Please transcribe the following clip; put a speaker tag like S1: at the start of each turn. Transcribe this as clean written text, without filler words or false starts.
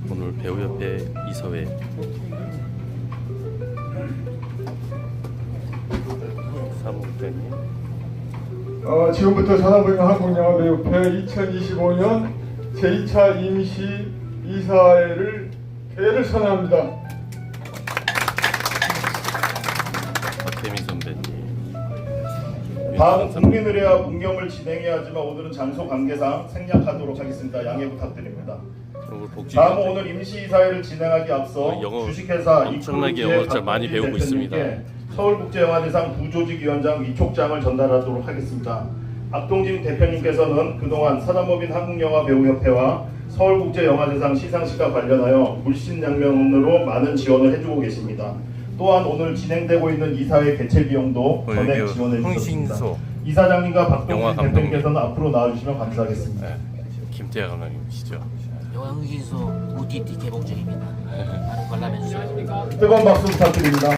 S1: 오늘 배우협회 이사회 사무국장님.
S2: 지금부터 산업응용 한국영화배우협회 2025년 제2차 임시 이사회를 개회를 선언합니다.
S1: 박혜민 선배님.
S3: 다음은 국민의례와 문경을 진행해야 하지만 오늘은 장소 관계상 생략하도록 하겠습니다. 양해 부탁드립니다. 다음은 오늘 임시이사회를 진행하기 앞서
S1: 영어
S3: 주식회사
S1: 엄청나게 영어 진짜 많이 배우고 있습니다.
S3: 서울국제영화제상 부조직위원장 위촉장을 전달하도록 하겠습니다. 박동진 대표님께서는 그동안 사단법인 한국영화배우협회와 서울국제영화제상 시상식과 관련하여 물신양면으로 많은 지원을 해주고 계십니다. 또한 오늘 진행되고 있는 이사회 개최 비용도 전액 지원해 주셨습니다. 이사장님과 박동진 대표님께서는 앞으로 나와주시면 감사하겠습니다.
S1: 네, 김태하 감독님이시죠.
S4: 영화 흥신소 OTT 개봉 중입니다. 많은 관람해 주세요.
S3: 뜨거운 박수 부탁드립니다.